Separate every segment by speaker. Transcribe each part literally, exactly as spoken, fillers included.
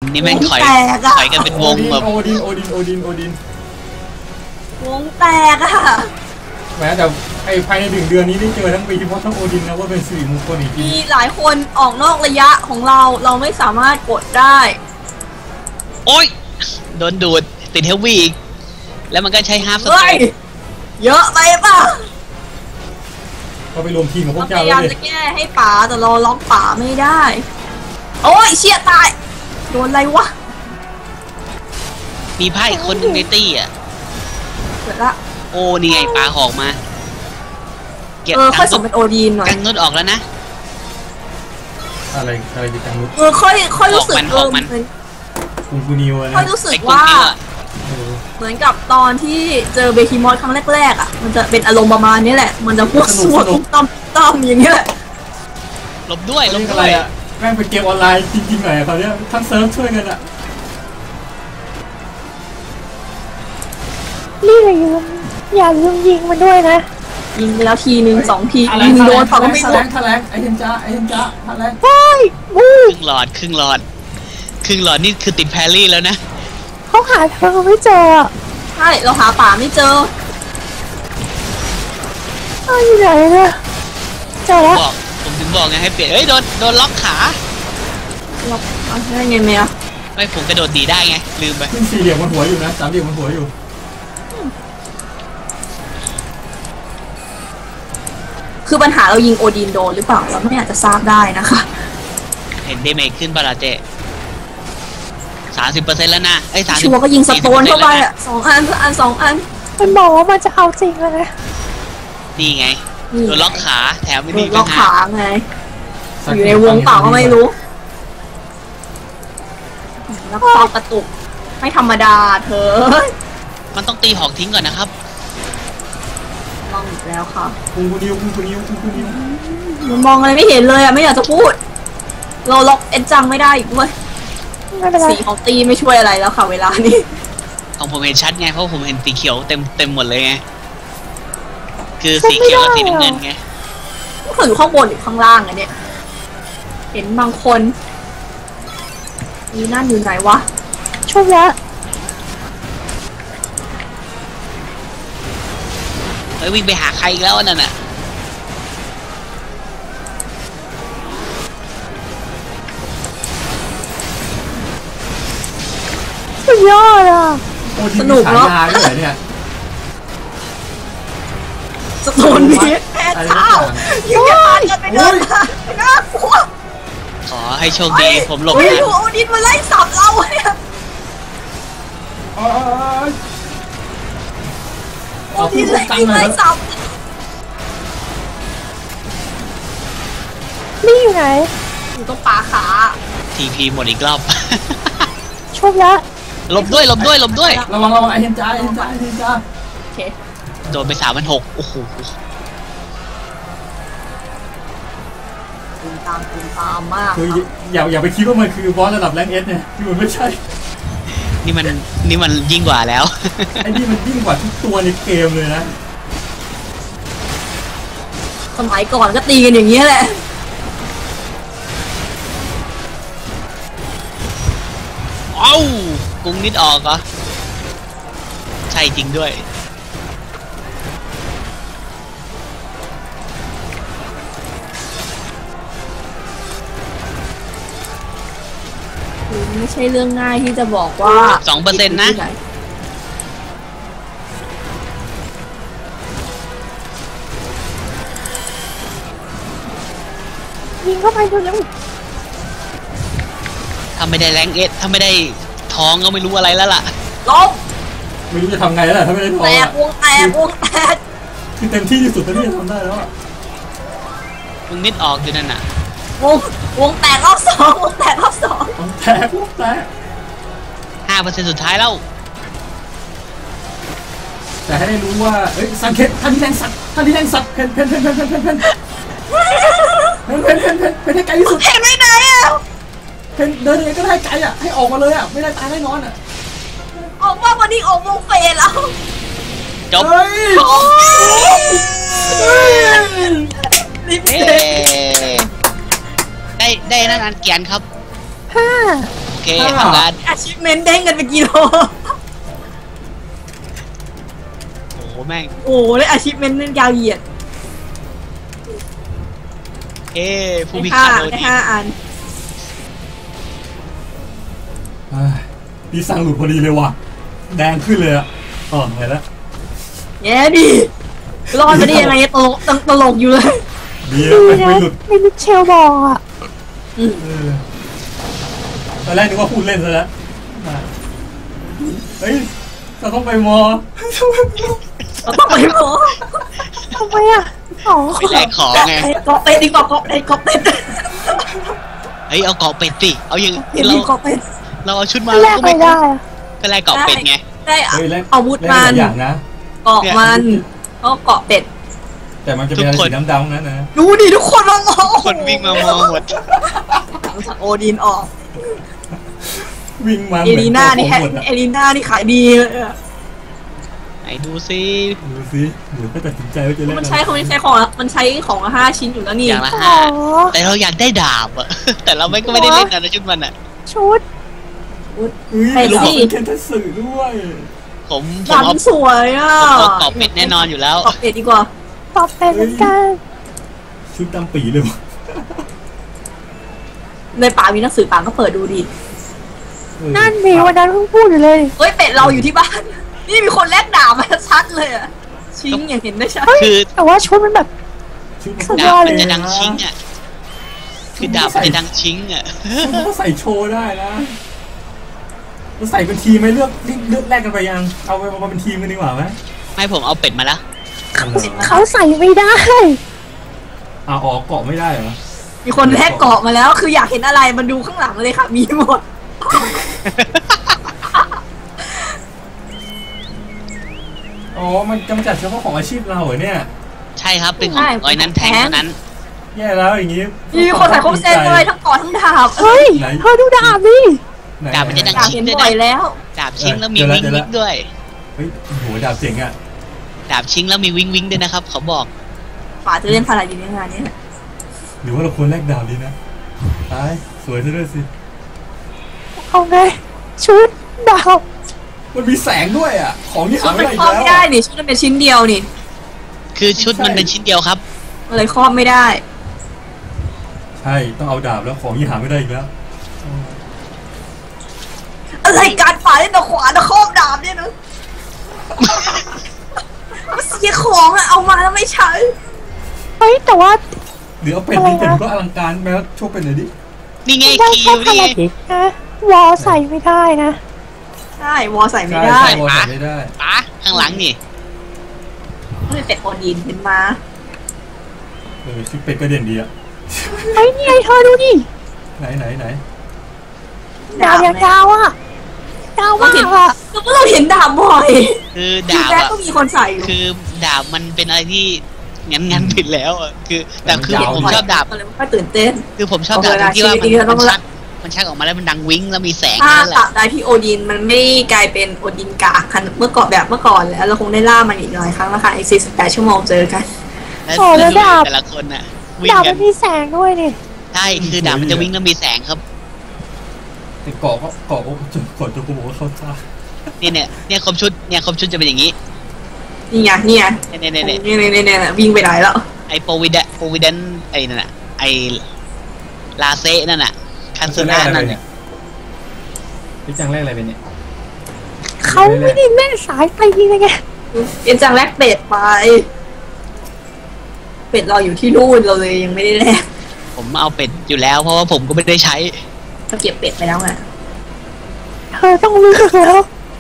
Speaker 1: นี่แม่งถอยถอยกันเป็นวงแบบ
Speaker 2: โอดินโอดินโอดินโอดิน
Speaker 3: วงแตกอะ
Speaker 2: แม้แต่ไอ้ภายในถึงเดือนนี้ได้เจอทั้งปีเพราะทั้งโอดินนะว่าเป็นสิริมงคลอีกที
Speaker 3: มีหลายคนออกนอกระยะของเราเราไม่สามารถกดได้
Speaker 1: โอ๊ยโดนดูดติดเฮฟวี่อีกแล้วมันก็ใช้ฮาร์ฟสเตย์
Speaker 3: เยอะไปป่ะ
Speaker 2: ก็ไปรวมทีมกับพวกเจ้า
Speaker 3: พยายามจะแก้ให้ป๋าแต่เราล็อกป๋าไม่ได้โอ้ยเชี่ยตายโดนอะไรวะ
Speaker 1: มีไพ่คนหนึ่งในตี้อ่ะ
Speaker 3: เกิดละ
Speaker 1: โอ้นี่ไงปลาหอกมา
Speaker 3: เออค่อยสมเป็นโอดีนหน่อย
Speaker 1: กังนุดออกแล้วนะ
Speaker 2: อะไรอะไรดิกังนุด
Speaker 3: เออค่อยค่อยรู้สึกเออ
Speaker 2: คุณกูนิวนะ
Speaker 3: ค่อยรู้สึกว่าเหมือนกับตอนที่เจอเบคิมอสครั้งแรกๆอ่ะมันจะเป็นอารมณ์ประมาณนี้แหละมันจะพวกสวดต้อมต้อมอย่างเงี้ย
Speaker 1: หลบด้วยหลบ
Speaker 2: ด้วยแม่งเป็นเกมออนไลน์จริงๆหน่อยเขาเนี่ยทั้งเซิร์ฟช่วยกันอะ
Speaker 4: นี่เลยยืมอย่าลืมยิงมันด้วยนะ
Speaker 3: ยิงแล้วทีหนึ่งสองทียิงโดนเขาก็ไม่โดน
Speaker 2: ทะแลงไอเทนจ้าไอเทนจ้าทะแลง
Speaker 4: ใช่
Speaker 1: ครึ่งหลอดครึ่งหลอดครึ่งหลอดนี่คือติดแพรรี่แล้วนะ
Speaker 4: เขาหาเธอไม่เจอ
Speaker 3: ใช่เราหาป่าไม่เจอ
Speaker 4: อ้าวอยู่ไหนเนี่ยเจอแล้ว
Speaker 1: บอกผมถึงบอกไงให้เปลี่ยนเฮ้ยโดนโดนล็อกขา
Speaker 3: ล็อกอะไรไงเมีย
Speaker 1: ไม่ผมกระโดดดีได้ไงลืมไป
Speaker 2: ขึ้นสี่เหลี่ยมบนหัวอยู่นะสามเหลี่ยมบนหัวอยู่
Speaker 3: คือปัญหาเรายิงโอดีนโดนหรือเปล่าเราไม่อาจจะทราบได้นะคะ
Speaker 1: เห็นเดเมจขึ้นปะล่ะเจสามสิบเปอร์เซ็นต์แล้วนะไอ้สาม
Speaker 3: ชัวร์ก็ยิงสโตนเข้าไปอ่ะสองอันอันสองอัน
Speaker 4: มันบอกว่ามันจะเอาจริงเลยนะ
Speaker 1: นี่ไงโดนล็อกขาแถมไม่ดี
Speaker 3: ล็อกขาไงอยู่ในวงเปล่าก็ไม่รู้แล้วก็กระตุกไม่ธรรมดาเธอ
Speaker 1: มันต้องตีหอกทิ้งก่อนนะครับ
Speaker 3: ลองอีกแล้วค่ะ
Speaker 2: คุณกูนิวคุณกูนิวคุณกูนิว
Speaker 3: มันมองอะไรไม่เห็นเลยอ่ะไม่อยากจะพูดเราล็อกเอ็นจังไม่ได้อีกด้วยสีของตีไม่ช่วยอะไรแล้วค่ะเวลานี้
Speaker 1: ของผมเห็นชัดไงเพราะผมเห็นสีเขียวเต็มเต็มหมดเลยไงคือสีเขียวกับสีน้ำเงินไง
Speaker 3: ก็อยู่ข้างบนหรือข้างล่างอะเนี่ยเห็นบางคนนี่นั่นอยู่ไหนวะ
Speaker 4: ช่วยละ
Speaker 1: เฮ้ยวิ่งไปหาใครอีกแล้วนั่นน่ะ
Speaker 4: สุดยอดอ่ะ
Speaker 3: สนุกเนาะ
Speaker 2: เนี่ย
Speaker 3: สโตนนี้แพ้เท้าอยู่แค่ผ่านกันไปเดินมาน่ากลัว
Speaker 1: ขอให้โชคดีผมหลบ
Speaker 3: นะโอดินมาไล่สับเราเนี่ยโอดินไล่สับ
Speaker 4: นี่อยู่ไหน
Speaker 3: อยู่ตรงป่าขา
Speaker 1: ทีพีหมดอีกรอบ
Speaker 4: โชคละ
Speaker 1: หลบด้วยหลบด้วยหลบด้วย
Speaker 2: ระวังระวังไอเทนจ้าไอเทนจ้าไอเทนจ้า
Speaker 3: โอเค
Speaker 1: โดนไปสามพันหกโอ้โห
Speaker 3: ตูมตามตูมตามมาก
Speaker 2: คืออย่าอย่าไปคิดว่ามันคือบอสระดับแรงเอสเนี่ยคือมันไม่ใช่
Speaker 1: นี่มันนี่มันยิ่งกว่าแล้ว
Speaker 2: ไอ้นี่มันยิ่งกว่าทุกตัวในเกมเลยนะ
Speaker 3: สมัยก่อนก็ตีกันอย่างเงี้ยแหละ
Speaker 1: เอ้ากุ้งนิดออกเหรอใช่จริงด้วย
Speaker 3: ไม่ใช่เรื่องง่ายที่จะบอกว่า
Speaker 1: สองเปอร์เซ็นต์นะ
Speaker 4: ยิงเข้าไปเร็ว
Speaker 1: ถ้าไม่ได้แรงเอสถ้าไม่ได้ท้องก็ไม่รู้อะไรแล้วล่ะ
Speaker 3: ลง
Speaker 2: ไม่รู้จะทำไงแล้วถ้าไม่ได้ท้อง
Speaker 3: แตกวงแตกวงแตก
Speaker 2: คือเต็มที่ที่สุดที่จะทำได้แล้ว
Speaker 1: วงนิดออกอยู่นั่นน่ะ
Speaker 3: วงวงแตกรอบสองวงแตกรอบสอง
Speaker 2: วงแตกวงแตก
Speaker 1: ห้าเปอร์เซ็นต์สุดท้ายแล้ว
Speaker 2: แต่ให้ได้รู้ว่าเอ้ยสังเกตท่านที่แทงสัตว์ท่านที่แทงสัตว์เพนเพนเพนเพนเพนเพนเพนเพนเพนเพนเพนเพนให้ไกลที่สุด
Speaker 3: เพนไม่ไหนอ่ะ
Speaker 2: เพนเดินยังไงก็ได้ไกลอ่ะให้ออกมาเลยอ่ะไม่ได้ตายแน่นอนอ่ะ
Speaker 3: ออกว่าวันนี้ออกวงเฟสแล้ว
Speaker 1: จบได้ได้นั่นอันเกียนครับ
Speaker 4: ห้า
Speaker 1: โอเคเคทำงาน
Speaker 3: อาชีพเมนเด้งกันเป็นกิโล
Speaker 1: โอ้โหแม่ง
Speaker 3: โอ้เลยอาชีพเมนต์ยาวเหยียด
Speaker 1: เอ้ผู้พิ
Speaker 3: ได้
Speaker 1: ฆา
Speaker 3: ห้า
Speaker 1: ตโดน
Speaker 3: ได้
Speaker 1: ดี
Speaker 3: ห้าอัน
Speaker 2: เฮ้ยดีสั่งหลุดพอดีเลยว่ะแดงขึ้นเลยอ่ะอ๋อไงละ
Speaker 3: แย่ดิรอดไปได้ยังไงตลกตตลกอยู่เลย
Speaker 2: ดี
Speaker 4: ดี
Speaker 2: ไม่
Speaker 4: นะ
Speaker 2: ไม่หลุด
Speaker 4: ไม่มิเชลบอกอ่ะ
Speaker 3: อืม
Speaker 2: เออตอนแรกนึกว่าพูดเล่นซะแล้วเฮ้ยเราต้องไปมอ
Speaker 3: เราต้องไปหมอ
Speaker 4: ทำไมอ่ะอ๋อ
Speaker 1: ไปแลกของไง
Speaker 3: เกาะเป็ดดีกว่าเกาะเป็ดเกาะเป็ด
Speaker 1: เฮ้ยเอาเกาะเป็ดสิเอาอย่าง
Speaker 3: เห็น
Speaker 1: เรา
Speaker 3: ดีเกาะเป็ด
Speaker 1: เราเอาชุดมา
Speaker 4: แล
Speaker 1: เรา
Speaker 4: ก
Speaker 1: ก็
Speaker 4: ไม่
Speaker 1: ไม่
Speaker 4: ได้อะ
Speaker 1: ก็แลกเกาะเป็ดไง
Speaker 3: ได้
Speaker 2: เฮ้ยแลก
Speaker 3: อาวุธ
Speaker 2: แลก
Speaker 3: มัน
Speaker 2: หลายอย่างนะ
Speaker 3: เกาะมันก็เกาะเป็ด
Speaker 2: แต่มันจะเป็นอะไรสีดำๆนั้นนะ
Speaker 3: ดูดิทุกคนมามอง
Speaker 1: คนวิ่งมามองหมด
Speaker 3: หลังจากโอดินออก
Speaker 2: วิ่งมา
Speaker 3: เอลีน่านี่
Speaker 2: เห
Speaker 3: แฮะ
Speaker 2: มือนตัวผมหมดอะ
Speaker 3: เอลีน่านี่ขายดีเลยอะ
Speaker 1: ไหนดูซิ
Speaker 2: ดูสิเดี๋ยวก็ตัดสินใจว่าจะเล่น
Speaker 3: มันใช้ของมันใช้ของละมันใช้ของละห้าชิ้นอยู่แล้วนี่
Speaker 1: อย่างละ
Speaker 4: อ๋
Speaker 1: ห้า
Speaker 4: อ
Speaker 1: แต่เราอยากได้ดาบอะ แต่เราไม่ก็ไม่ได้เล่นนะในชุดมันอะ
Speaker 4: ชุด
Speaker 2: เฮ้ยเราเป็นเคนทัสสึด้วย
Speaker 1: ผมผม
Speaker 3: ดำ
Speaker 1: เอา
Speaker 3: สวยอ่ะ
Speaker 1: ผมเอาเกาะเป็ดแน่นอนอยู่แล้ว
Speaker 3: เกาะเป็ดดีกว่า
Speaker 4: ตอบเป็นเหมือนกัน
Speaker 2: ชุดดำปีเลยวะ
Speaker 3: ในป่ามีหนังสือป่าก็เปิดดูดิ
Speaker 2: เออ
Speaker 4: นั่นดิวันนั้นเพิ่งพูดอยู่เลย
Speaker 3: เฮ้ยเป็ดเราอยู่ที่บ้าน นี่มีคนแลกดาบมาชัดเลยอ่ะ ชิงอย่างเห็นได้ชัด
Speaker 1: คือ
Speaker 4: แต่ว่าชุดมันแบบ
Speaker 2: ชุด
Speaker 4: สุดย
Speaker 1: ดา
Speaker 4: อบ ด
Speaker 1: มัน
Speaker 4: เลย
Speaker 1: จะดังชิงอะคือดาบมันจะดังชิงอะ
Speaker 2: ชุดมันก็ใส่โชว์ได้นะเราใส่เป็นทีมไหมเลือกเลือกแลกกันไปยังเอาไปมาเป็นทีมกันดีกว่าไหม
Speaker 1: ไม่ผมเอาเป็ดมาแล้ว
Speaker 4: เขาใส่ไม่ได้
Speaker 2: อ่าออกเกาะไม่ได้เหรอ
Speaker 3: มีคนแลกเกาะมาแล้ว คืออยากเห็นอะไรมันดูข้างหลังเลยค่ะ มีหมด
Speaker 2: อ๋อมันจำกัดเฉพาะของอาชีพเราเหรอเนี่ย
Speaker 1: ใช่ครับเป็นของ
Speaker 3: ใช่
Speaker 1: ร้อยนั้นแทงเท่านั้น
Speaker 2: แย่แล้วอย่างงี้
Speaker 3: มีคนใส่ครบเซตเลยทั้งเกาะทั้งดาบ
Speaker 4: เฮ้ย
Speaker 2: ไหน
Speaker 4: เธอดูดาบดิ
Speaker 2: ไห
Speaker 1: ดาบมันจะดัง
Speaker 3: อยากเห็นบ่อยแล้ว
Speaker 1: ดาบชิงแล้วมี
Speaker 2: เดี๋ยว
Speaker 1: วิ
Speaker 2: ละ
Speaker 1: ง
Speaker 2: เดี๋ยวละ
Speaker 1: วิงด้วย
Speaker 2: เฮ้ยโอ้โหดาบเจ๋งอ่ะ
Speaker 1: ดาบชิงแล้วมีวิงวิงด้วยนะครับเขาบอก
Speaker 3: ป่าจะเล่นพาราดินในงานนี้
Speaker 2: หรือว่าเราควรแลกดาบดีนะตายสวยซะด้วยสิ
Speaker 4: เอาไงชุดดาบ
Speaker 2: มันมีแสงด้วยอ่ะของที่
Speaker 3: ชุ
Speaker 2: หา
Speaker 3: ด
Speaker 2: ไม่
Speaker 3: มัน
Speaker 2: ได้อี
Speaker 3: ครอบ
Speaker 2: กแล้ว
Speaker 3: ไม่ได้นี่ชุดมันเป็นชิ้นเดียวนี่
Speaker 1: คือชุดมันเป็นชิ้นเดียวครับ
Speaker 3: มันเลยครอบไม่ได้
Speaker 2: ใช่ต้องเอาดาบแล้วของที่หาไม่ได้อีกแล้ว
Speaker 3: อะไรการป่าเล่นตะขวานตะครอบดาบเนี่ยนะมันเสียของอะเอามาแล้วไม่ใช้
Speaker 4: เฮ้ยแต่ว่า
Speaker 2: หรือเอาเป็ดนี่เป็ดก็อลังการแม้โชว์เป็นหน่อยดิ
Speaker 1: นี่ไง
Speaker 4: ได้
Speaker 1: คิ
Speaker 4: แค่
Speaker 1: ว
Speaker 4: พา
Speaker 1: นี่ไง
Speaker 4: ราดิสนะวอใส่ไม่ได้นะ
Speaker 3: ใช่วอใส่ไม่
Speaker 2: ใช่
Speaker 3: ได้
Speaker 2: ใช่วอลใส่ไม่ได้
Speaker 1: ป๋าข้างหลังนี่
Speaker 3: มันเป็นเป็ดโอดินเป็นมา
Speaker 2: เออชุดเป็ดก็เด่นดีอ่ะ
Speaker 4: เฮ้ยนี่ไงเธอดูดิ
Speaker 2: ไหนไหนไหน
Speaker 4: ดาบยาวๆอ่ะยาวมากอ่ะ
Speaker 3: ก็เราเห็นดาบบ่อย
Speaker 1: คือ
Speaker 3: คือ
Speaker 1: ดาบ
Speaker 3: แรก
Speaker 1: อะ
Speaker 3: ก็มีคนใส่อยู่
Speaker 1: คือดาบมันเป็นอะไรที่งั้นงั้นผิดแล้วอะคือแต่คือผมชอบดาบ
Speaker 3: มันเลยไม่ค่อยตื่นเต้น
Speaker 1: คือผมชอบดาบ
Speaker 3: โอเค
Speaker 1: ที่ว่ามัน
Speaker 3: ชีวิตนี้เราต้
Speaker 1: มั
Speaker 3: อน ง
Speaker 1: ชักมันชักออกมาแล้วมันดังวิ้งแล้วมีแสง
Speaker 3: ถ้า
Speaker 1: นั่นแห
Speaker 3: ตั
Speaker 1: ละ
Speaker 3: บได้ที่โอดินมันไม่กลายเป็นโอดินกากคันเมื่อก่อนแบบเมื่อก่อนแล้วเราคงได้ล่ามันอีกหลายครั้งแล้วค่ะอีกสี่สิบแปดชั่วโมงเจอกัน
Speaker 1: แล้วแล้วดูแต่ละคนน่ะวิ่ง
Speaker 4: ดาบ
Speaker 1: กั
Speaker 4: มัน นมีแสงด้วยนี่
Speaker 1: ใช่คือดาบมันจะวิ่งแล้วมีแสงครับ
Speaker 2: แต่เกาะก็เกาะก็จนก่อนจะกูบอกว่าเข้าท่า
Speaker 1: เนี่ยเนี่ยเนี่ยครบชุดเนี่ยครบชุดจะเป็นอย่างนี้
Speaker 3: นี่ไงนี่ไง
Speaker 1: เนี่ยเนี่ยเนี่ย
Speaker 3: นี่นี่นี่นี่วิ่งไปไหนแล้ว
Speaker 1: ไอโปรวิดโปรวิดนไอนั่นน่ะไอลาเซนั่นน่ะคันเซน่านั่นน่ะ
Speaker 2: พี่จังแรกอะไรเป็นเนี่ย
Speaker 4: เขาไม่ได้เล่นสายไปยิงไง
Speaker 3: เอ็นจังแลกเป็ดไป เป็ดเราอยู่ที่นู่นเราเลยยังไม่ได้แลก
Speaker 1: ผมเอาเป็ดอยู่แล้วเพราะว่าผมก็ไม่ได้ใช้
Speaker 3: เราเก็บเป็ดไปแล้วไง
Speaker 4: เธอต้องเลือกแล้ว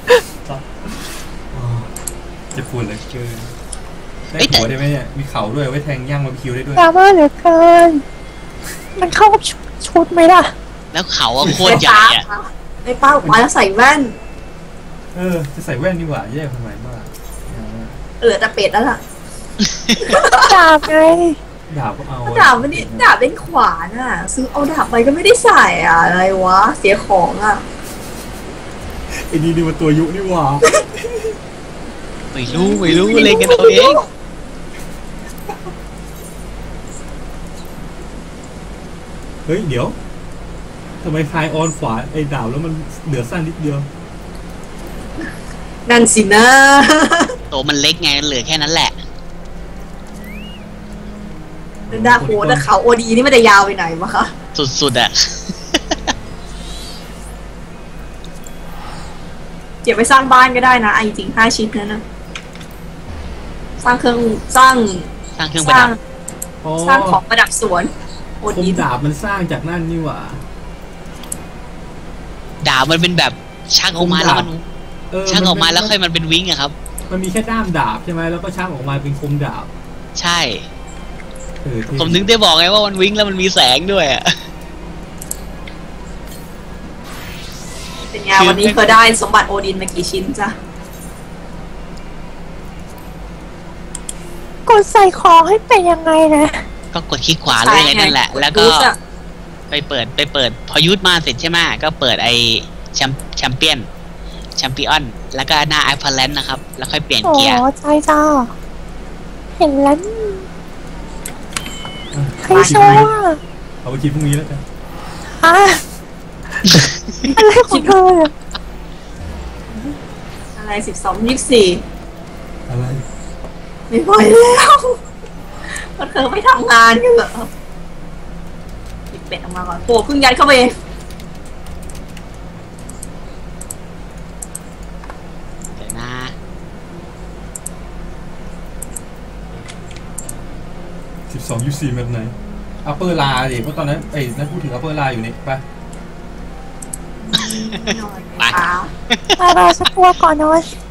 Speaker 2: จะปวดเหลือเกินได้หัวได้ไหมเนี่ยมีเข่าด้วยไว้แทงย่างบาร์บีคิวได้ด้วย
Speaker 4: ดราม่าเหลือเกิน มันเข้ากับชุดไหมล่ะ
Speaker 1: แล้วเขาอะโคตรใหญ่อะ
Speaker 3: ไอ้ป้าออกมาแล้วใส่แว่น
Speaker 2: เออจะใส่แว่นดีกว่าแย่ทำไมมาก
Speaker 3: เหลือแต่เป็ดแล้วล่ะ
Speaker 4: ดาบไง
Speaker 2: ดาบก็เอา
Speaker 3: ดาบมันนี่ดาบเป็นขวานอ่ะ ซื้อเอาดาบไปก็ไม่ได้ใส่อ่ะอะไรวะ เสียของอ่ะ
Speaker 2: ไอ้นี่นี่มันตัวยุนี่หว่า
Speaker 1: ไม่รู้ไม่รู้เล่นกันเอาเอง
Speaker 2: เฮ้ยเดี๋ยวทำไมคลายออนขวาไอ้ดาบแล้วมันเหลือสั้นนิดเดียว
Speaker 3: นั่นสินะ
Speaker 1: ตัวมันเล็กไงเหลือแค่นั้นแหละ
Speaker 3: ดาโหแต่เขาโอดีนี่ไม่ได้ยาวไปไหนวะคะ
Speaker 1: สุดๆอะ
Speaker 3: เก็บไปสร้างบ้านก็ได้นะไอ้จริงห้าชิ้นนั้นนะสร้างเครื่องสร้าง
Speaker 1: สร้างเครื่อง
Speaker 3: ส
Speaker 1: ประ
Speaker 3: ร้า
Speaker 1: ดั
Speaker 3: ง
Speaker 1: บ
Speaker 2: อ๋อ
Speaker 3: สร้างของประดับสวนโอ
Speaker 2: คม
Speaker 3: ดี
Speaker 2: ดาบมันสร้างจากนั่นนี่หว่า
Speaker 1: ดาบมันเป็นแบบชักออกมาแล้วมัน
Speaker 2: เออ
Speaker 1: ชักออกมาแล้ว
Speaker 2: น
Speaker 1: ค่อยมันเป็นวิ้งอะครับ
Speaker 2: มันมีแค่ด้ามดาบใช่ไหมแล้วก็ช่างออกมาเป็นคมดาบ
Speaker 1: ใช่
Speaker 2: เออเท่
Speaker 1: ผมถึงได้บอกไงว่ามันวิ้งแล้วมันมีแสงด้วยอะ
Speaker 3: เป็นไงวันนี้เธอได้สมบัติโอดินมากี่ชิ้นจ้ะ
Speaker 4: กดใส่ของให้เป็นยังไงนะ
Speaker 1: ก็กดคลิกขวาเลยไงนั่นแหละ แล้วก็
Speaker 3: รู้จั
Speaker 1: ไปเปิดไปเปิดพอยุดมาเสร็จใช่ไหมก็เปิดไอแชมแชมเปี้ยนแชมเปี้ยนแล้วก็หน้าไอพอลแลนด์นะครับ แล้วค่อยเปลี่ยน
Speaker 4: โอ้
Speaker 1: เกียร์
Speaker 4: ใช่จ้าเห็นแล้วนี่ใครโชว์อ่ะ
Speaker 2: เอาไปคิดพรุ่งนี้แล้วกัน
Speaker 4: ฮะอะไรของเธอเนี่ย
Speaker 3: อะไรสิบสองยี่สิบสี่
Speaker 2: อะไร
Speaker 3: ไม่ไหวแล้วก็เธอไม่ทำงานกันเหรอปิดเป็ดออกมาก่อนโอ้เพิ่งยัดเข้าไปเอง
Speaker 1: เดี๋ยวนะ
Speaker 2: สิบสองยูซีแบบไหนอัปเปอร์ลาดิเพราะตอนนั้นไอ้นั่นพูดถึงอัปเปอร์ลาอยู่นี่ไป
Speaker 3: นอน
Speaker 1: ไป
Speaker 3: ขา
Speaker 4: ไปไปสักตัวก่อนนอน